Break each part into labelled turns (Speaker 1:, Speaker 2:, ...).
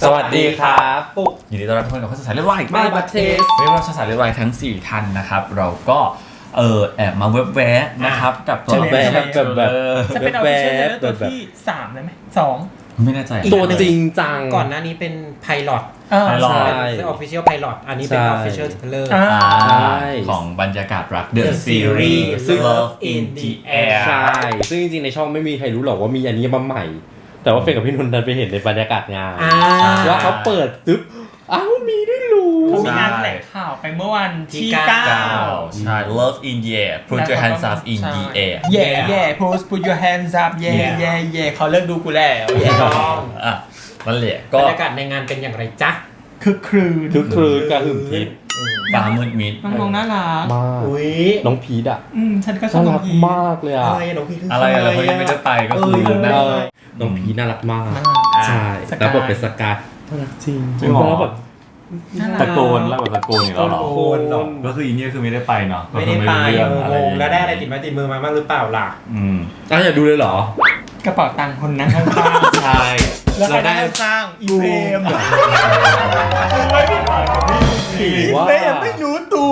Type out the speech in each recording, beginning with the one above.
Speaker 1: สวัสดีครับ
Speaker 2: ปุ๊ก
Speaker 1: ยินดีต้อนรับทุกคนกับข้อสายเลือดวาย
Speaker 2: My Blood Taste
Speaker 1: เรียกว่าข้อสายเลือดวายทั้ง4ท่านนะครับเราก็แอบมาเว็บแวะนะครับกับตัว
Speaker 2: แวะแบบ
Speaker 3: จะเป็น official trailer ตัวที่3เลยไหม2
Speaker 1: ไม่แน่ใจ
Speaker 2: ตัวจริงจัง
Speaker 4: ก่อนหน้านี้เป็นไพลอต
Speaker 1: Pilot
Speaker 2: ใช่
Speaker 4: เป็น official pilot อันนี้เป็น
Speaker 2: ใช่
Speaker 4: official trailer
Speaker 1: ของบรรยากาศรัก The
Speaker 4: The
Speaker 1: Series
Speaker 4: Series
Speaker 1: Love in the Air
Speaker 2: ใช่ ซึ่งจริงๆในช่องไม่มีใครรู้หรอกว่ามีอันนี้มาใหม่ แต่ว่าเฟนกับพี่นนท์ดันไปเห็นในบรรยากาศงาน ว่าเขาเปิดซึบอ้าวมีด้วยรู้
Speaker 3: เขามีงานแถลงข่าวไปเมื่อวันที่
Speaker 1: 9ใช่ Love in the Air Put your hands up in the air
Speaker 3: แย่put your hands up แย่เขาเลิกดูกูแล้วแย่
Speaker 1: นั่นแหละ
Speaker 4: บ
Speaker 1: ก็
Speaker 4: รรยากาศในงานเป็นอย่างไรจ๊ะ
Speaker 3: คือครืน
Speaker 2: คือกระหึ่มทิพย์
Speaker 1: ฟ้ามืดมิด
Speaker 3: น้องน่ารัก
Speaker 2: มาก
Speaker 4: อุ้ย
Speaker 2: น้องพีดอ่ะ
Speaker 3: ฉันก็ชอ
Speaker 2: น่า
Speaker 3: บน้อ
Speaker 2: รั
Speaker 3: ง
Speaker 2: ก
Speaker 3: พี
Speaker 2: มากเลยอ่ะ
Speaker 4: อะไรอะน้องพี่คือ
Speaker 1: อะไรอะไรเขายังไม่ได้ไปก็คือนั่น
Speaker 2: น้องพีน่ารักมากใช่แล้วบทเป็นสกายน่ารักจริง
Speaker 1: จริงเหรอ
Speaker 2: แล้วแบบ
Speaker 1: ตะโกนแล้วแบบตะโกนอย่างเราหรอ
Speaker 4: โคนหรอก
Speaker 1: ก็คืออินเดียคือไม่ได้ไปเนาะ
Speaker 4: ไม่ได้ไป
Speaker 1: เรื่องอะไร
Speaker 4: งงแล้วได้อะไรติดไม้ติดมือมาบ้างหรือเปล่าล่ะ
Speaker 2: อยากดูเลยเหรอก
Speaker 3: ระเป๋าตังค์คนนั่งข้าง
Speaker 2: ใช่
Speaker 3: ๆแล้วใครได้สร้างอีเฟรม
Speaker 2: ถือ
Speaker 3: อี
Speaker 2: ว่า
Speaker 3: เฟรมไม่รู้ตัว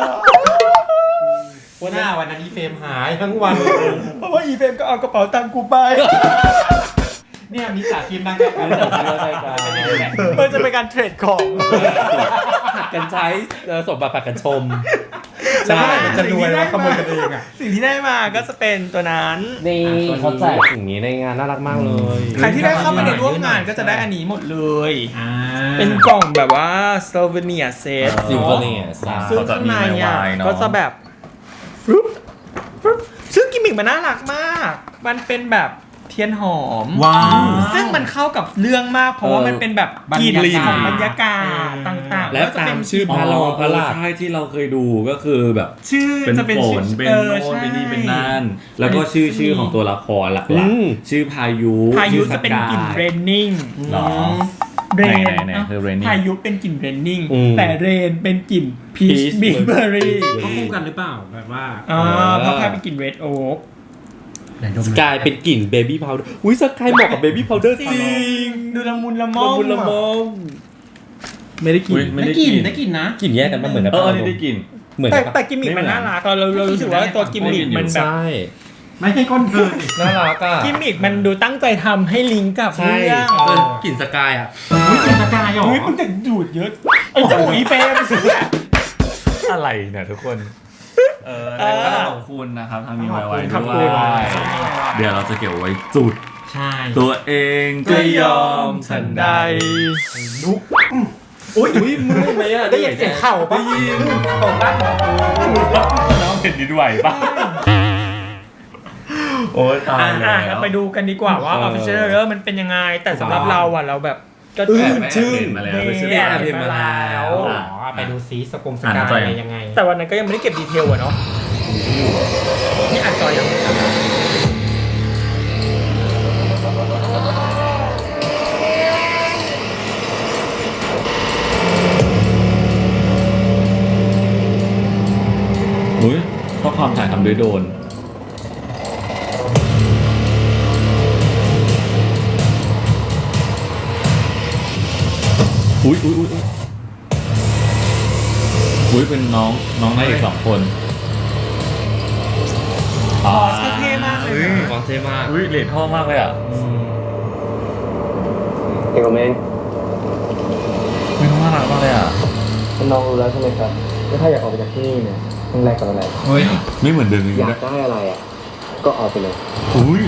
Speaker 4: วันหน้าวันนั้นอีเฟรมหายทั้งวัน
Speaker 3: เพราะว่าอีเฟรมก็เอากระเป๋าตังค์กูไป
Speaker 4: เนี่ยมีสาคิมนั่งแค่กัน
Speaker 3: มันจะเป็นการเทรดของ
Speaker 2: ผัดกันใช้สมบัติผัดกันชม
Speaker 4: ใช่จะรวยแล้วขโมยกันเองอ่ะ
Speaker 3: สิ่งที่ได้มาก็จะเป็นตัวนั้น
Speaker 2: นี่เขาแจกสิ่งนี้ในงานน่ารักมากเลย
Speaker 3: ใครที่ได้เข้ามาในร่วมงานก็จะได้อันนี้หมดเลย เป็
Speaker 4: เป็น น
Speaker 3: กล่องแบบว่า souvenir set
Speaker 2: ซิลเวอร์เนี่ย
Speaker 3: ซึ่งข้างในอ่ะก็จะแบบฟรุปฟรุปซึ่งกิมมิกมันน่ารักมาก มันเป็นแบบเทียนหอม
Speaker 4: ว้าว
Speaker 3: ซึ่งมันเข้ากับเรื่องมากเพราะว่ามันเป็นแบบกลิ่น
Speaker 4: บรรยากาศ
Speaker 3: ของบรรยากาศต่างๆ
Speaker 2: และ
Speaker 3: ก็จะ
Speaker 2: ตา
Speaker 3: เป็
Speaker 2: ม
Speaker 3: น
Speaker 2: ชื่อพระรองพระลาด
Speaker 1: ใช่ที่เราเคยดูก็คือแบบ
Speaker 3: ชื่อ
Speaker 1: เป็น
Speaker 3: จะเป็น
Speaker 1: ฝ
Speaker 3: ชื่
Speaker 1: น
Speaker 3: อ
Speaker 1: เป็นโน่นเป็นนี่เป็นนั่นแล้วก็ชื่อของตัวละครหลักๆชื่อพายุ
Speaker 3: พายุ
Speaker 1: ชื่อ
Speaker 3: จะเป็น
Speaker 1: สาย
Speaker 3: กลิ่นเรนนิ่ง
Speaker 1: หรอ
Speaker 3: เรน
Speaker 1: ไหนคือ raining
Speaker 3: พายุเป็นกลิ่นเรนนิ่ง
Speaker 2: อืม
Speaker 3: แต่เรนเป็นกลิ่นพีช
Speaker 2: Peach
Speaker 3: บิ๊กเบอร์รี่
Speaker 4: เขาคู่กันหรือเปล่าแบบว่า
Speaker 3: เพราะพายเป็นกลิ่นเรดโอ๊ก
Speaker 2: สกายเป็นกลิ่นเบบี้พาวเดอร์อุ้ยสกายเหมาะกับเบบี้พาวเดอร์จริง
Speaker 3: ดูละมุนละม่อม
Speaker 2: ละมุนละมอมไม่ได้กลิ่น
Speaker 1: ไม่
Speaker 4: ได้
Speaker 1: ได้
Speaker 4: ก
Speaker 1: กิ
Speaker 4: ลิ่น
Speaker 1: น
Speaker 4: ได้กลิ่นนะ
Speaker 2: กลิ่นแยกกันมาเหมือนกัน
Speaker 1: อันนี้ได้กิน
Speaker 2: เหมือน
Speaker 3: แต่
Speaker 2: กัน
Speaker 3: แต่กิมมิกมันน่ารักเรารู้สึกว่าตัวกิมมิกมันแบบ
Speaker 2: ใช่
Speaker 4: ไม่ให้ก้นเกิน
Speaker 2: น่ารักอ่ะ
Speaker 3: กิมมิกมันดูตั้งใจทำให้ลิงก์กับ
Speaker 2: ใช่
Speaker 3: เรื่อง
Speaker 2: กลิ่นสกายอ่ะ
Speaker 4: อุ้ยกลิ่นสกายเหรอ
Speaker 3: เฮ้ยมึงจะดูดเยอะไอ้จมูกอีเฟรม
Speaker 1: อะไรเนี่ยทุกคนก็ขอบคุณนะครับทางมีไว้
Speaker 3: ขอบ
Speaker 1: ด้
Speaker 3: คุ
Speaker 1: ว
Speaker 3: ณ
Speaker 1: ยเดี๋ยวเราจะเก็บไว้จุด
Speaker 4: ใช่
Speaker 1: ตัวเองก็ยอมฉันได้
Speaker 4: ลุก
Speaker 2: อุ้ยมึงไหมอ่ะ
Speaker 4: ได้ยินเสียงเข่าปะของด้านของ
Speaker 1: น้องเห็นดินไหวปะโอ้ยตายแล้ว
Speaker 3: เราไปดูกันดีกว่าว่า official trailer มันเป็นยังไง แต่สำหรับเราอ่ะเราแบบก็
Speaker 1: ชื่อมาแล้วไม่ใช่
Speaker 3: เห็นมาแล้ว
Speaker 4: อ๋อไปดูซีสกายอะไรยังไง
Speaker 3: แต่วันนั้นก็ยังไม่ได้เก็บดีเทลอะเนาะนี่อัดจอยังไม่ทำ
Speaker 1: อุ้ยข้อความถ่ายทำด้วยโดรนอุ้ยเป็นน้องนายอีก2 คน
Speaker 3: อ๋อเท่มากเลยนะ
Speaker 2: วางเท่มาก
Speaker 1: อุ้ยเหรียญทองมากเลยอ่ะ
Speaker 5: เอกเมน
Speaker 1: ไม่น่ารักมากเลยอ่ะ
Speaker 5: น้องรู้แล้วใช่ไหมครับว่าถ้าอยากออกไปจากที่นี่เนี่ยต้องแลกกับอะไร
Speaker 1: เฮ้ยไม่เหมือนเดิมเลย
Speaker 5: อยาก
Speaker 1: นะ
Speaker 5: ได้อะไรอ่ะก็เอาไปเลย
Speaker 1: อุ้ย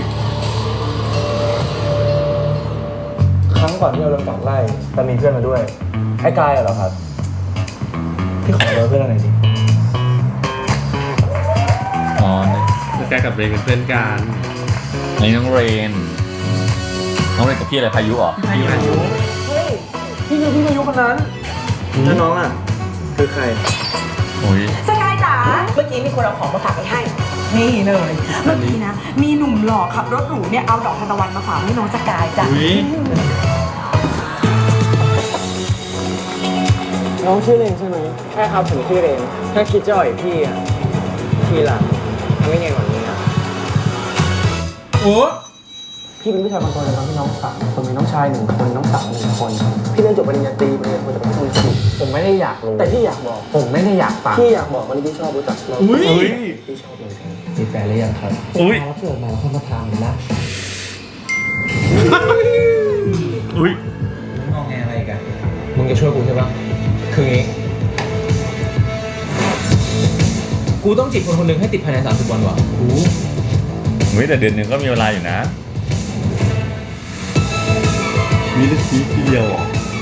Speaker 5: ครั้งก่อนที่เราโดนกัดไล่แต่มีเพื่อนมาด้วยไอ้กายเหรอครับที่ขอเบอร์เพื่อนอะไรจริง
Speaker 1: อ๋อ
Speaker 2: สกายกับเรนเป็นเพื่อนกัน
Speaker 1: ในน้องเรนกับพี่อะไรพายุเหรอ
Speaker 3: พายุ
Speaker 5: เฮ้ยพี่คือพี่พายุคนนั้นแล้วน้องอ่ะคือใคร
Speaker 1: โอ้ย
Speaker 6: สกายจ๋าเมื่อกี้มีคนเอาของมาฝากไปให้ นี่เลย เมื่อกี้นะ มีหนุ่มหล่อขับรถหรูเนี่ยเอาดอกทานตะวันมาฝากให้น้องสกายจ้ะ
Speaker 5: น้องชื่อเรนใช่ไหมใช่ครับผมชื่อเรนถ้าคิดจะอ่อยพี่อ่ะพี่ล่ะทำยังไงก่อนนี้อ่ะ
Speaker 3: โอ้
Speaker 5: พี่เป็นผู้ชายบางคนเลยครับพี่น้อง3 คนมีน้องชาย1 คนน้องสาว1 คนพี่เรียนจบปริญญาตรีปริญญาโทแต่ไม่เคยสนิทผมไม่ได้อยากรู้แต่พี่อยากบอกผมไม่ได้อยากฟังพี่อยากบอกวันนี้พี่ชอบรู้จักเราพี่ชอบเลยมีแฟนหรือยังครับ
Speaker 1: อุ้ย
Speaker 5: ถ้าเกิดมาเขามาถามนะ
Speaker 1: อุ้ย
Speaker 5: งอแงอะไรกันมึงจะช่วยกูใช่ปะคืองี้กูต้องจีบคนหนึ่งให้ติดภายใน30 วันวะ
Speaker 1: อุ้ยแต่เดือนหนึ่งก็มีเวลาอยู่นะมีได้ทีเดียว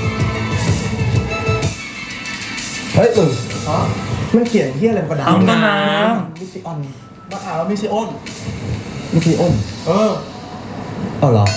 Speaker 5: เฮ้ยมันเขียนเฮียอะไรกระดาษ
Speaker 1: เอาต้นน้
Speaker 5: มิซิออนมะขามมิซิออนเอาเหรอ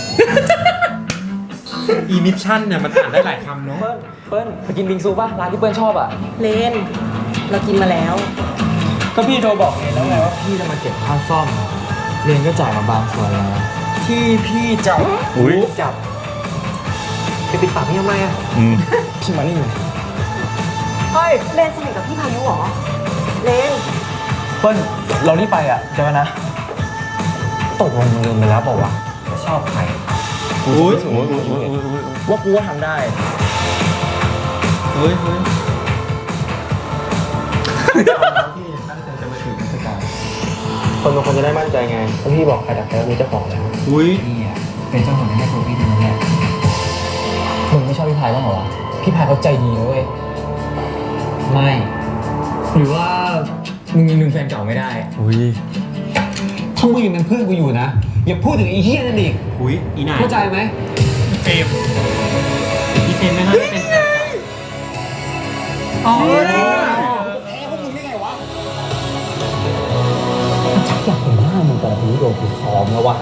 Speaker 4: อีมิชชั่นเนี่ยมันอ่านได้หลายคำเนาะ
Speaker 5: เปิ้ลไปกินบิงซูป่ะร้านที่เปิ้ลชอบอ่ะ
Speaker 6: เลนเรากินมาแล้ว
Speaker 5: ก็พี่โทรบอกเองแล้วไงว่าพี่จะมาเก็บค่าซ่อมเรียนก็จ่ายมาบางส่วนแล้วที่พี่จับ
Speaker 1: อุ้ย
Speaker 5: จับไปปิดปากพี่ทำไมอ่ะ พี่มานี่หน่อย
Speaker 6: เฮ้ย เลนสนิทกับพี่พายุเหรอ เลน
Speaker 5: เปิ้ลเรารีบไปอ่ะเจอกันนะตกลงมึงลืมไปแล้วบอกว่าวะชอบใคร
Speaker 1: อุ้ย
Speaker 5: ว่ากูว่าทำได้พี่ตั้งใจจะมาถึงเทศกาลคนบางคนจะได้มั่นใจไงถ้าพี่บอกใครดักแล้วมีเจ้าของแล้ว
Speaker 4: อุ้ย
Speaker 5: นี่อ่ะเป็นเจ้าของในแม่ตัวพี่ดีนะเนี่ยมึงไม่ชอบพี่พายบ้างเหรอวะพี่พายเขาใจดีนะเว้ยไม่หรือว่ามึงยังลืมแฟนเก่าไม่ได้
Speaker 1: อุ้ย
Speaker 5: ถ้ามึงยังเป็นเพื่อนกูอยู่นะอย่าพูดถึงไอ้เหี้ยนั่นอีก
Speaker 4: อุ้ยอีนาย
Speaker 5: เข้าใจไหม
Speaker 3: เฟรม
Speaker 4: อีเฟนไม่น่าจะเป็นแฟนเก่า
Speaker 3: อ๋อ
Speaker 5: อยากเห็นหน้ามึงแต่ละทีโดนกูซ้อมแล้ววะ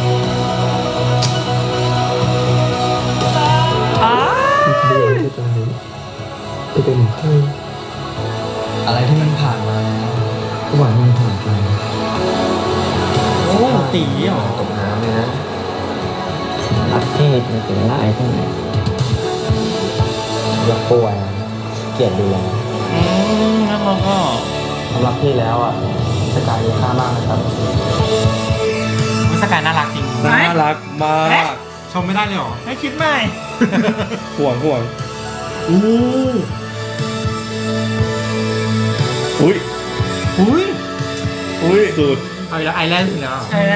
Speaker 5: เบื่อที่ตรงนี้จะเป็นของใครอะไรที่มันผ่านมาก็หวังมันผ่านไป
Speaker 4: โอ้ตีเหรอ
Speaker 5: ตกน้ำเลยนะรักที่มันถึงหน้าไอ้ที่ไหนยกป่วยเกลียดดูแล
Speaker 1: แล้วเราก็
Speaker 5: สำหรับพี่แล้วอ่ะสกายมีค่ามากนะครับ
Speaker 4: วิสกายน่ารักจริง
Speaker 2: น่ารักมาก
Speaker 4: ชมไม่ได้เลยเหรอ
Speaker 3: ให้คิดใหม่
Speaker 2: ห่วง
Speaker 1: อุ้ย
Speaker 4: อุ้ย
Speaker 1: อุ้ยสุด
Speaker 4: เอาอีกแล้วไอแลนด์สิแล้ว
Speaker 3: ใช่ไหม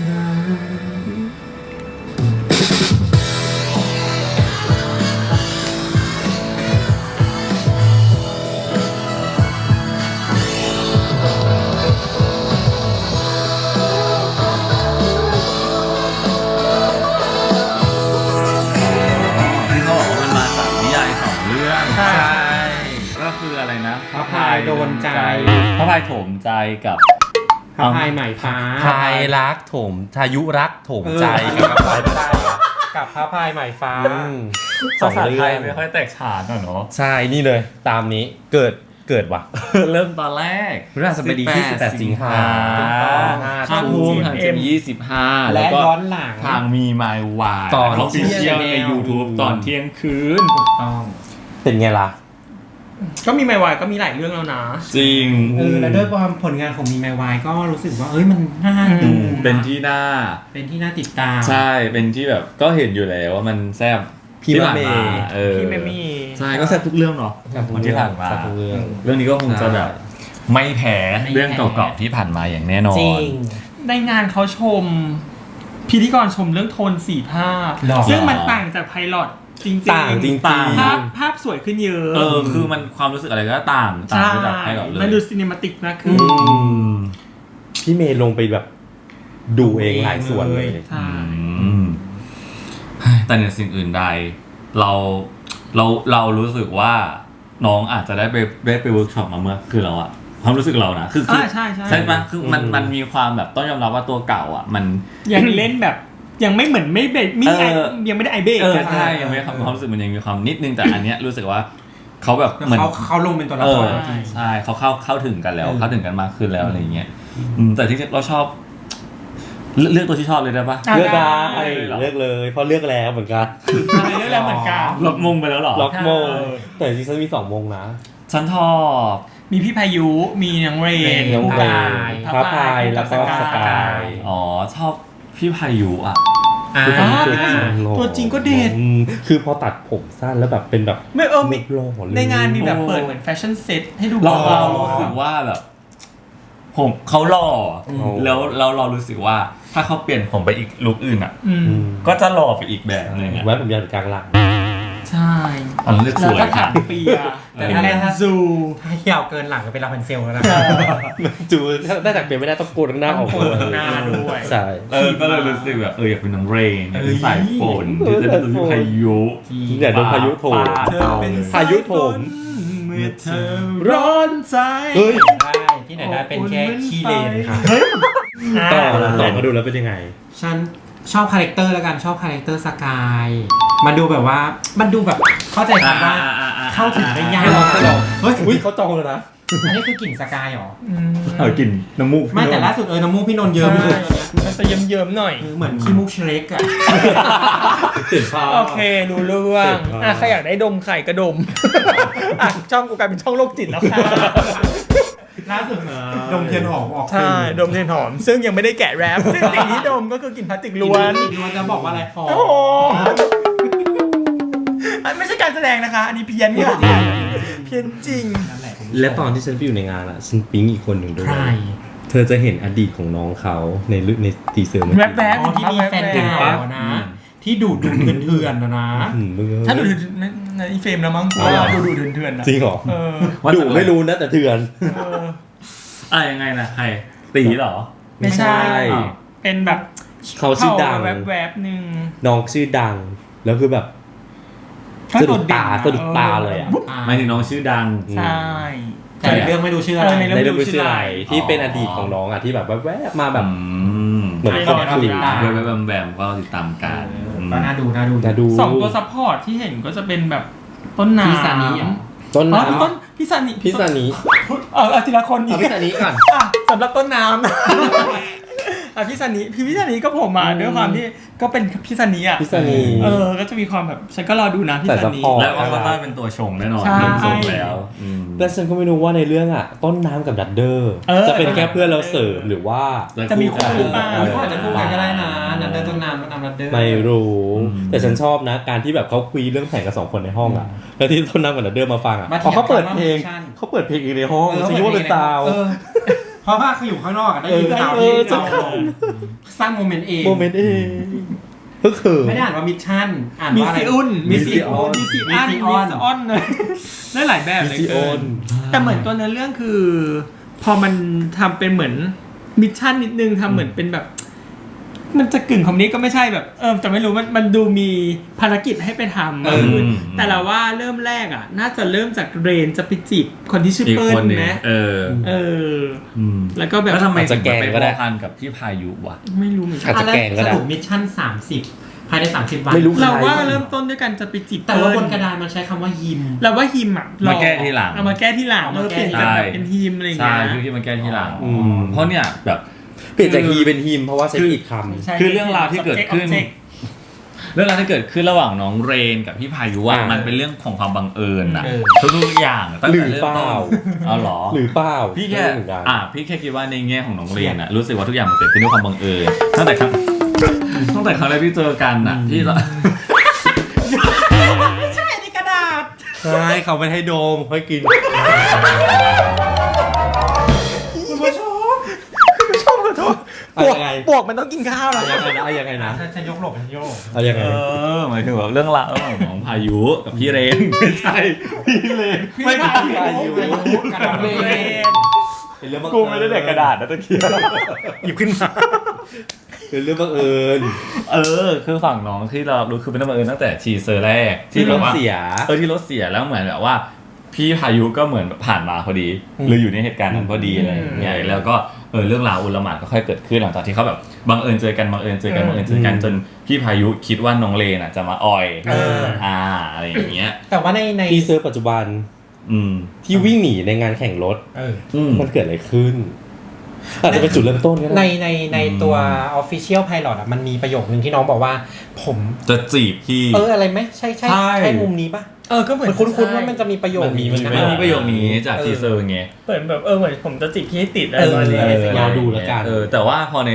Speaker 1: ที่เขาบอกว่ามันมาจากนิยาย2 เรื่อง
Speaker 3: ใช่
Speaker 1: ก็คืออะไรนะ
Speaker 4: พระพายโดนใจ
Speaker 1: พระพายโถมใจกับ
Speaker 4: พระพายใหม่ฟ้า
Speaker 2: พายรักโถมทายุรักโถมใจ
Speaker 4: กับพายใจกับพระพายใหม่ฟ้า
Speaker 2: สอง
Speaker 1: ภาษา
Speaker 2: เรื่
Speaker 1: ไท
Speaker 2: อย ง
Speaker 1: ไม่ค่อยแตกฉานอะเนาะ
Speaker 2: ใช่นี่เลย ตามนี้เกิดว่ะ
Speaker 1: เริ่มตอนแรก
Speaker 2: พฤหัสบดีที่18 สิงหา
Speaker 1: ห้าทุ่มทางจะมี25
Speaker 4: และ
Speaker 1: แล้วก็
Speaker 4: ย้อนหลัง
Speaker 1: ทางมีมายวาย
Speaker 2: ตอน
Speaker 1: เขาฟิเชียล
Speaker 2: เที่
Speaker 1: ใน
Speaker 2: ยง
Speaker 1: YouTube ตอนเที่ยงคืน
Speaker 4: ต้อง
Speaker 2: เป็นไงล่ะ
Speaker 3: ก็มีไมวายก็มีหลายเรื่องแล้วนะ
Speaker 1: จริง
Speaker 4: แล้วด้วยความผลงานของมีไมวายก็รู้สึกว่าเอ้ยมันน่าดู
Speaker 1: เป็นที่น่า
Speaker 4: เป็นที่น่าติดตาม
Speaker 1: ใช่ เป็นที่แบบก็เห็นอยู่แล้วว่ามันแซ่บ
Speaker 2: พี่
Speaker 1: ที่ผ่าน
Speaker 2: เม
Speaker 1: มา
Speaker 2: ย์
Speaker 3: พี่แมมี่
Speaker 1: ใช่ก็แซ่บทุกเรื่องเนาะวันที่ผ่านมา
Speaker 2: แซ่บทุกเรื่อง
Speaker 1: เรื่องนี้ก็คงจะแบบไม่แพ้เรื่องเก่าๆที่ผ่านมาอย่างแน่นอน
Speaker 4: จริง
Speaker 3: ในงานเขาชม พิธีกรชมเรื่องโทนสีภาพ
Speaker 4: หรอ
Speaker 3: ซึ่งมันต่างจากไพลอตจริงๆ
Speaker 2: ต่างจริง
Speaker 1: ต่าง
Speaker 2: ๆ
Speaker 3: ภาพสวยขึ้นเยอะ
Speaker 1: คือมันความรู้สึกอะไรก็ต่างไปจากให้กับเลย
Speaker 3: มันดูซีนิมาติกมากขึ้น
Speaker 2: พี่เมย์ลงไปแบบดูเองหลายส่วนเลย
Speaker 3: ใช่
Speaker 1: แต่ในสิ่งอื่นใดเรารู้สึกว่าน้องอาจจะได้ไปเวิร์กช็อปมาเมื่อคือเราอะความรู้สึกเรานะคือ
Speaker 3: ใช่ใช่
Speaker 1: ใช่ปะคือมันมีความแบบต้องยอมรับว่าตัวเก่าอ่ะมัน
Speaker 3: ยังเล่นแบบยังไม่เหมือนไม่เบรกไม่ไอยังไม่ได้ไอเบรกกัน
Speaker 1: ใช่ยังไม่ความรู้สึกมันยังมีความนิดนึงแต่อันเนี้ยรู้สึกว่าเขาแบบเหมือน
Speaker 4: เขาลงเป็นตัวละครจริง
Speaker 1: ใช่เขาเข้าถึงกันแล้วเข้าถึงกันมากขึ้นแล้วอะไรอย่างเงี้ยแต่ที่เราชอบเลือกตัวที่ชอบเลยได้ปะ
Speaker 2: เลือกได้
Speaker 1: เหรอ
Speaker 2: เลือกเลยเพราะเลือกแล้วเหมือนกัน
Speaker 3: ใช่เรื่องแล้วเหมือนกัน
Speaker 1: ล็อกมงไปแล้วเหรอ
Speaker 2: ล็อกโมงแต่ซีซั่นมี2 โมงนะ
Speaker 1: ฉันชอบ
Speaker 3: มีพี่พายุมีน้องเรน
Speaker 2: น้องเรน
Speaker 3: พ
Speaker 2: พระพายแล้วก็สกาย
Speaker 1: อ๋อชอบพี่พายุอ่ะ
Speaker 2: คือคนนี้ตัวจริงหล่อ
Speaker 3: ตัวจริงก็เด็ด
Speaker 2: คือพอตัดผมสั้นแล้วแบบเป็นแบบ
Speaker 3: ไม่มี
Speaker 2: หล่อเลย
Speaker 3: ในงานมีแบบเปิดเหมือนแฟชั่นเซ็ตให้ดู
Speaker 1: เรารู้สึกว่าแบบผมเขาหล่อแล้วเรารู้สึกว่าถ้าเขาเปลี่ยนผมไปอีกลุคอื่นอ่ะ
Speaker 3: อืม
Speaker 1: ก็จะหล่อไปอีกแบบนึงอ่ะ
Speaker 2: ไว้ผมยาวกลางหลัง
Speaker 3: ใช่
Speaker 1: อันนั้นเลือกส
Speaker 3: แล้ว
Speaker 1: วย
Speaker 3: ก็
Speaker 1: ค่ะ
Speaker 3: ถักเปียเป็นแลนซู
Speaker 4: ถ้ายาวเกินหลังก็เป็นลาพันเซลแล้วนะ
Speaker 2: จูถ้าได้จากเปลี่ยนไม่ได้ต้องโกนหน้าออก
Speaker 3: โกนหน้าด้วย
Speaker 2: ใช่
Speaker 1: ก็เลยรู้สึกแบบอยากเป็นน้องเรนอยากเป็นสายฝนที่จะเป็นตัวพายุ
Speaker 2: อย่าโดนพายุโถม
Speaker 3: เธอเป็น
Speaker 2: พายุโถม
Speaker 3: เมื่อเธอร้อนใจ
Speaker 2: เฮ้ย
Speaker 4: ได้ที่ไหนได้เป็นแค่ขี้เลนค่ะ
Speaker 2: ต่อมาดูแล้วเป็นยังไง
Speaker 4: ฉันชอบคาแรคเตอร์แล้วกันชอบคาแรคเตอร์สกายมันดูแบบว่ามันดูแบบเข้าใจคำว่าเข้าถึงได้ยากเฮ้ย
Speaker 2: อุ้ยเขาจองเลยนะ
Speaker 4: อันนี้คือกลิ่นสกายเหรอ
Speaker 1: เอากลิ่นน้ำมูก
Speaker 4: ไม่แต่ล่าสุดน้ำมูกพี่นนท์เยิ้มเลย
Speaker 3: มันจะเยิ้มๆหน่อย
Speaker 4: เหมือนขี้มูกเชเล็กอะ
Speaker 2: เห็นภาพ
Speaker 3: โอเครู้เรื่องใครอยากได้ดมไข่ก็ดมช่องกูกลายเป็นช่องโรคจิตแล้วค่ะ
Speaker 4: ล่าสุดดมเทียนหอมออก
Speaker 3: ใช่ดมเทียนหอม ซึ่งยังไม่ได้แกะแรปซึ่งสิ่งที่ดมก็คือกลิ่นพลาสติกล้วน
Speaker 4: ล้วนจะบอกว่าอะไรหอ
Speaker 3: โอ้โห
Speaker 4: ม
Speaker 3: ไม่ใช่การแสดงนะคะ อันนี้เพี้ยนเนี่ยเพี้ยนจริง
Speaker 4: นั่นแหละ
Speaker 2: และตอนที่ฉันไปอยู่ในงานอ่ะฉันปิ๊งอีกคนหนึ่งด้วย
Speaker 4: ใคร
Speaker 2: เธอจะเห็นอดีตของน้องเขาในทีเซอร์เมื่อกี้
Speaker 3: แวบ
Speaker 4: อ๋อที่มีแฟนเก่านะ ที่ดูดเถื่อนๆนะ
Speaker 2: มึง
Speaker 3: ถ้าดูในอีเฟรมแล้วมั้งกูว่าดูเถื่อนๆนะ
Speaker 2: จริงเหรอ
Speaker 3: เออ
Speaker 2: ดูไม่รู้นะแต่เถื่อน
Speaker 1: ยังไงนะใครตีเหรอ
Speaker 3: ไม่ใช่
Speaker 2: ไม่ใช่
Speaker 3: เป็นแบบ
Speaker 2: เขาชื่อดัง
Speaker 3: แวบๆหนึ่ง
Speaker 2: น้องชื่อดัง แล้วคือแบบสะดุดตาเลยอ่ะ
Speaker 1: หมายถึงน้องชื่อดัง
Speaker 3: ใช่
Speaker 4: แต่ในเรื่องไม่ดูชื่ออะไร
Speaker 3: ใน
Speaker 2: ในเรื่องชื่ออะไรที่เป็นอดีตของน้องอ่ะที่แบบแวบๆมาแบบ เหมือน
Speaker 4: ไม่
Speaker 2: ค
Speaker 4: ต้
Speaker 2: น
Speaker 4: อง
Speaker 2: คุย
Speaker 4: ติดตาม
Speaker 1: แวบๆแบมๆก็ติดตามกัน
Speaker 4: ก็น่าดู
Speaker 2: นะดู
Speaker 3: สองตัวซัพพอร์ตที่เห็นก็จะเป็นแบบต้นน้ำ
Speaker 4: พี่ซานิเหรอ
Speaker 2: ต้น
Speaker 3: อ๋อ
Speaker 2: น้ำ
Speaker 3: ต้นพี่ซานิ
Speaker 2: พิซานิ
Speaker 3: เอาทีละคน
Speaker 2: เอาพิซานิก่อน
Speaker 3: สำหรับต้นน้ำพี่ซานิพี่ซานิก็ผมมาด้วยความที่ก็เป็นพี่ซานิอ่ะ
Speaker 2: พิซานิ
Speaker 3: ก็จะมีความแบบฉันก็รอดูนะพี่ซานิ
Speaker 2: ใส่ซัพพอร์ต
Speaker 1: แล้วออฟต้าเป็นตัวชงแน่นอน
Speaker 3: ใช่
Speaker 1: เริ่มส่งแล้ว
Speaker 2: แต่ฉันก็ไม่รู้ว่าในเรื่องอ่ะ ต้นน้ำกับดัดเดอร์ จะเป็นแค่เพื่อนเราเสริมหรือว่า
Speaker 3: จะมีคู่หรือเปล่า
Speaker 4: เขาอาจจะคู่กันก็ได้นะนันเดอร์ต้นน้ำนันเดอร์
Speaker 2: ไม่รู้ แต่ฉันชอบนะ การที่แบบเขาคุยเรื่องแผนกับ2 คนในห้องอ่ะ แล้วที่ต้นน้ำกับดัดเดอร์มาฟังอ่ะพอเขาเปิดเพลงเขาเปิดเพลงอีกในห้องฉันคิดว่าเป็นซาว
Speaker 4: เพราะว่าเขาอยู่ข้างนอกได้ยินซาว
Speaker 2: เอ
Speaker 4: ที่
Speaker 2: อจะ
Speaker 4: เราสร้างโมเมนต์เอง
Speaker 2: โมเมนต์เองก็คือ
Speaker 4: ไม่ได้อ่านว่ามิชชั่นอ่าน
Speaker 3: มี
Speaker 4: ว่าอะไร
Speaker 3: ซีอุน
Speaker 2: มีซีออน
Speaker 3: มีซีอันมีซีออนเลยได้หลายแบบเลย
Speaker 2: มีซีออน
Speaker 3: แต่เหมือนตัวเนื้อเรื่องคือ พอมันทำเป็นเหมือนมิชชั่นนิดนึงทำเหมือนเป็นแบบ มันจะกึ่งคอมนี้ก็ไม่ใช่แบบแต่ไม่รู้มันดูมีภารกิจให้ไปทำแต่เราว่าเริ่มแรกอ่ะ น่าจะเริ่มจากเรนจะไปจีบคนที่ชื่อ
Speaker 1: อีก
Speaker 3: เปิ้
Speaker 1: ค
Speaker 3: ล
Speaker 1: นหนึ่ง
Speaker 3: ไหมแล้วก็แบบ
Speaker 1: แล้วทำไม
Speaker 2: อาจจะแกล้ง
Speaker 1: ไป
Speaker 2: ก็ได้
Speaker 1: พันกับพี่พายุวะ
Speaker 3: ไม่รู้เหมือนกั
Speaker 2: อาจ
Speaker 3: น
Speaker 2: จะแกล้งก็ได้
Speaker 4: สรุปมิชชั่น30ภายใน30 วัน
Speaker 2: ไม่รู้
Speaker 3: เราว่าเริ่มต้นด้วยกันจะไปจีบ
Speaker 4: แต่ว่าบนกระดานมันใช้คำว่ายิม
Speaker 3: เราว่าฮิมอ่ะ
Speaker 1: มาแก้ทีหลัง
Speaker 3: เอามาแก้ที่หลัง
Speaker 4: เอามาแก้
Speaker 3: เปลี่ยนจากแบบเป็นฮิมอะไรอย่าง
Speaker 1: ใช่
Speaker 3: เงี้ย
Speaker 1: พี่มาแก้ที่หลัง
Speaker 2: อืม
Speaker 1: เพราะเนี่ยแบบ
Speaker 2: เปลี่ยนจากฮีเป็นฮิมเพราะว่าใช้ผิดคำ
Speaker 3: ใช่
Speaker 1: คือเรื่องราวที่เกิดขึ้น
Speaker 3: Object
Speaker 1: เรื่องราวที่เกิดขึ้นระหว่างน้องเรนกับพี่พายุว่า
Speaker 2: อ่ามั
Speaker 1: มันเป็นเรื่องของความบังเอิญนะ
Speaker 4: เออ
Speaker 1: ทุกๆอย่างตั้ง
Speaker 2: หรื
Speaker 1: แต่
Speaker 2: อ
Speaker 1: เริ่ม
Speaker 2: เป
Speaker 1: ต้
Speaker 2: ล่า
Speaker 1: นเอาเหรอ
Speaker 2: หรือเปล่า
Speaker 1: พี่แค่
Speaker 2: ไม่รู้เหมือนกัน
Speaker 1: พี่แค่คิดว่าในแง่ของน้องเรนอะรู้สึกว่าทุกอย่างมันเกิดขึ้นด้วยความบังเอิญตั้งแต่ครั้งแรกที่เจอกันอะที่เรา
Speaker 3: ใช่ในกระดาษ
Speaker 2: ใช่เขาไม่ให้โดมค่อยกิน
Speaker 3: คุณผู้ชมขอโทษ
Speaker 2: เอายังไง
Speaker 3: ปวกมันต้องกินข้าวเหรอ
Speaker 2: เอายังไงนะ
Speaker 4: ฉันยกหลบฉันโยก
Speaker 2: เอายังไง
Speaker 1: หมายถึงแบบเรื่องราวระหว่างน้องพายุกับพี่เรนไม่ใช่พี่เรนไม่ใช่พี่พายุ
Speaker 4: กระดาษเลน
Speaker 2: เป็นเรื่องบัง
Speaker 1: กู
Speaker 2: เอิญ
Speaker 1: ไม่ได้เด็กกระดาษนะตะเกียบหยิบขึ้นมา
Speaker 2: เป็นเรื่องบังเอิญ
Speaker 1: คือฝั่งน้องที่เรารู้คือเป็นเรื่องบังเอิญตั้งแต่ทีเซอร์แรก
Speaker 2: ที่ร
Speaker 1: แบบ
Speaker 2: ถ
Speaker 1: ว่า
Speaker 2: เสีย
Speaker 1: ที่รถเสียแล้วเหมือนแบบว่า พี่พายุก็เหมือนผ่านมาพอดีหรืออยู่ในเหตุการณ์นั้นพอดีอะไรอย่างเงี้ยแล้วก็เรื่องราวอุลหม่านก็ค่อยเกิดขึ้นหลังจากที่เขาแบบบังเอิญเจอกันจนพี่พายุคิดว่าน้องเลนอ่ะจะมาอ่อยอะไรอย่างเงี้ย
Speaker 4: แต่ว่าใน
Speaker 2: ทีเซอร์ปัจจุบันที่วิ่งหนีในงานแข่งรถมันเกิดอะไรขึ้นอาจจะเป็นจุดเริ่มต้นก็ได้
Speaker 4: ในตัว Official Pilot อ่ะมันมีประโยคนึงที่น้องบอกว่าผม
Speaker 1: จะจีบพี่
Speaker 4: อะไรไหมใช่มุมนี้ปะ
Speaker 3: ก็เหมือน
Speaker 4: คุ้นๆว่ามันจะมีประโยคนี้
Speaker 1: มันมีประโยคนี้จากทีเซอร์ไง
Speaker 3: เหมือนแบบเหมือนผมจะจีบพี่ให้ติดอะไรประมาณนี้
Speaker 2: รอดูแล้วกัน
Speaker 1: แต่ว่าพอใน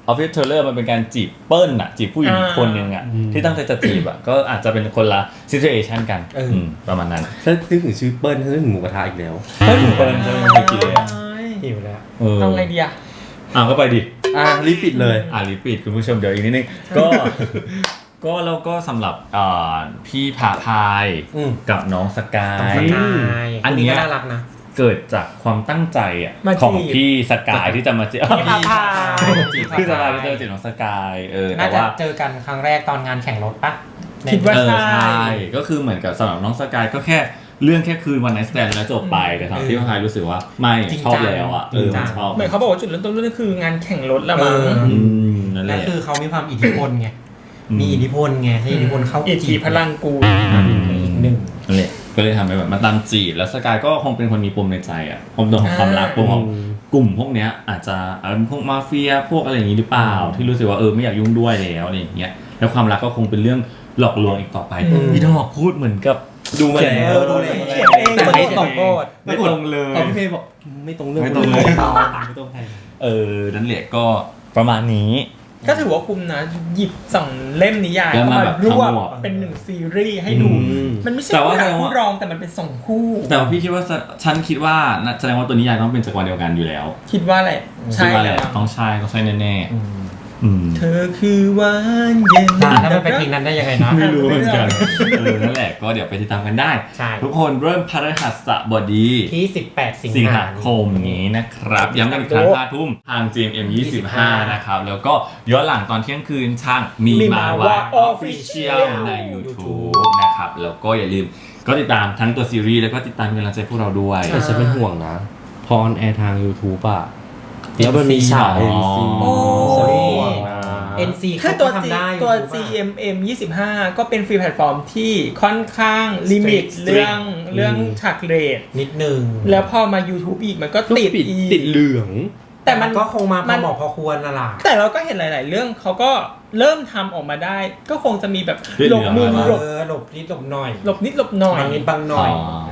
Speaker 1: Office Trailer มันเป็นการจีบเปิ้ลอะจีบผู้หญิงคนหนึ่งอะที่ตั้งใจจะจีบอะก็อาจจะเป็นคนละ situation กันประมาณนั้น
Speaker 2: ถ้านึกถึงชื่อเปิ้ลถ้านึกถึงหมูกระทะอีกแล้ว
Speaker 1: เปิ้ลจะไม่เคยกินเลยอะ
Speaker 4: หิวแล้ว
Speaker 3: เอาไงดีอะ
Speaker 1: ก็ไปดิ
Speaker 2: รีบปิดเลย
Speaker 1: รีปีดคุณผู้ชมเดี๋ยวอีกนิดนึงก็แล้วก็สำหรับพี่ผาพายกับน้องสกาย อันนี้
Speaker 4: น่ารักนะ
Speaker 1: เกิดจากความตั้งใจอะ
Speaker 3: มาจีบ
Speaker 1: ของพี่สกายที่จะมาจีบ
Speaker 3: พี่ผาพาย
Speaker 1: พี่สกายที่จะมาจีบน้องสกายแต่
Speaker 4: น่าจะ
Speaker 1: ว่า
Speaker 4: เจอกันครั้งแรกตอนงานแข่งรถปะ
Speaker 3: คิดว่า
Speaker 1: ใช่
Speaker 3: ใช่
Speaker 1: ก็คือเหมือนกับสำหรับน้องสกายก็แค่เรื่องแค่คืนวันไนท์สแตนแล้วจบไปแต่สำหรับพี่ผาพายรู้สึกว่าไม่ชอบแล้วอะมันชอบ
Speaker 3: เหมือนเขาบอกว่าจุดเริ่มต้นเรื่องคืองานแข่งรถละมั้ง
Speaker 1: นั่นแห
Speaker 4: และ
Speaker 1: ละ
Speaker 4: คือเขามีความอิทธิพลไงมีอิทธิพลไงให้อิทธิพลเข้า
Speaker 3: อิทธิพลังกู
Speaker 4: อีกหนึ่ง
Speaker 1: นั่นแหละก็เลยทำให้แบบมาตามจีบแล้วสกายก็คงเป็นคนมีปมในใจอ่ะปมของความรักปมของกลุ่มพวกเนี้ยอาจจะพวกมาเฟียพวกอะไรอย่างนี้หรือเปล่าที่รู้สึกว่าไม่อยากยุ่งด้วยแล้วอะไรอย่างเงี้ยแล้วความรักก็คงเป็นเรื่องหลอกลวงอีกต่อไปพี่ดอกพูดเหมือนกับ
Speaker 2: ดูมาแล้ว
Speaker 4: ดูเลย
Speaker 3: เขียนเอง
Speaker 4: แต่ไม่ตรงโกด
Speaker 1: ไม่ตรงเลย
Speaker 2: ตอนพี่เพย์บอกไม่ตรงเรื่อง
Speaker 1: ไม่ตรงเลย
Speaker 2: ไม่ตรงใคร
Speaker 1: นั่นแหละก็ประมาณนี้
Speaker 3: ก็ถือว่าคุ้มนะหยิบ2 เล่มนิยาย
Speaker 1: แล้วมา
Speaker 3: มา
Speaker 1: แบบ
Speaker 3: รวบ
Speaker 1: ทั้งหมด
Speaker 3: เป็น1 ซีรีส์ให้ดู มันไม่ใช่
Speaker 1: แต่ว่า
Speaker 3: คู่รัก
Speaker 1: แสดงว่า
Speaker 3: คู่รองแต่มันเป็น2 คู่
Speaker 1: แต่ว่าพี่คิดว่าฉันคิดว่าแสดงว่าตัวนิยายต้องเป็นจักรวาลเดียวกันอยู่แล้ว
Speaker 3: คิดว่าแหละ
Speaker 1: คิด
Speaker 3: ใช่
Speaker 1: ว่าแห
Speaker 3: แล้
Speaker 1: ละ
Speaker 3: ว
Speaker 1: ต้องใช่แน่ๆ
Speaker 3: เธอคือหวานเย็น
Speaker 4: แล้วมันเป็นเพลงนั้นได้ยังไงนะ
Speaker 1: ไม่รู้เหมือนกันนั่นแหละก็เดี๋ยวไปติดตามกันได้
Speaker 4: ใช่
Speaker 1: ทุกคนเริ่มพฤหัสบดี
Speaker 4: ที่ 18 สิง
Speaker 1: สิง
Speaker 4: หา
Speaker 1: หาคมนี้นะครับ ย้ำกันอีกครั้ง5 ทุ่มทาง GMM 25 นะครับ แล้วก็ย้อนหลังตอนเที่ยงคืนทางมีมาว่า Official ใน YouTube นะครับ แล้วก็อย่าลืมก็ติดตามทั้งตัวซีรีส์แล้วก็ติดตามเป็นกำลังใจพวกเราด้วย
Speaker 2: แต่ฉันเป็นห่วงนะพอออนแอร์ทาง YouTube อะแล้วมันมีฉาก NC
Speaker 3: โอ้
Speaker 2: ฉันเป็นห่วงนะ
Speaker 4: NC
Speaker 3: คือ
Speaker 4: เขา
Speaker 3: ตัว
Speaker 4: ก็ทำได้อยู่
Speaker 3: ตัว
Speaker 4: ถูกปะ
Speaker 3: GMM 25 ก็เป็นฟรีแพลตฟอร์มที่ค่อนข้างลิมิต
Speaker 1: Strict
Speaker 3: เรื่องฉากเรท
Speaker 4: นิดนึง
Speaker 3: แล้วพอมา YouTube อีกมันก็ติดอีก
Speaker 2: ติดเหลือง
Speaker 3: แต่มัน
Speaker 4: ก็คงมาพ
Speaker 3: มั
Speaker 4: อน เหมาะพอควรละล่ะ
Speaker 3: แต่เราก็เห็นหลาย ๆ เรื่องเขาก็เริ่มทำออกมาได้ ก็คงจะมีแบบ
Speaker 1: เรื่อง
Speaker 3: หลบมุม
Speaker 1: อะไรวะ
Speaker 3: หลบ
Speaker 4: หลบนิดหลบหน่อย
Speaker 3: หลบนิดหลบหน่อย
Speaker 4: บางนิดบางหน่อย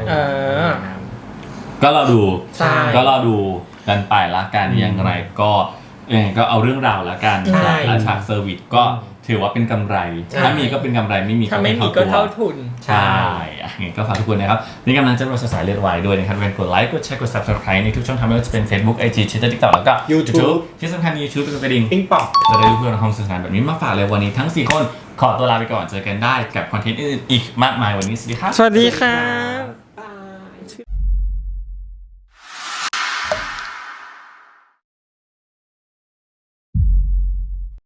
Speaker 1: ก็รอดู
Speaker 4: ใช่
Speaker 1: ก็รอดูกันไปละกันอย่างไรก็ก็เอาเรื่องราวละกัน
Speaker 3: ใช่
Speaker 1: และฉากเซอร์วิสก็ถือว่าเป็นกำไร
Speaker 3: ใช่
Speaker 1: ถ้ามีก็เป็นกำไรไม่มี
Speaker 3: ถ้า
Speaker 1: ก็
Speaker 3: ไม่
Speaker 1: ไม่
Speaker 3: มี
Speaker 1: เท่า
Speaker 3: ก็
Speaker 1: ตัว
Speaker 3: เท่าทุน
Speaker 1: ใช่งั้นก็ฝากทุกคนนะครับนี่กำลังจะเราสายเลือดวายด้วยนะครับเป็นกดไลค์กดแชร์กด subscribe ในทุกช่องทางไม่ว่าจะเป็น Facebook IG Twitter TikTok แล้วก็
Speaker 4: YouTube
Speaker 1: ที่สำคัญ YouTube เป็นกระดิ่ง
Speaker 4: ปิ้งปอก
Speaker 1: จะได้รู้เรื่องของสื่อสารแบบนี้มาฝากเลยวันนี้ทั้ง4 คนขอตัวลาไปก่อนเจอกันได้กับคอนเทนต์อื่นๆอีกมากมายวันนี้สวัสดีครับ
Speaker 3: สวัสดีครับ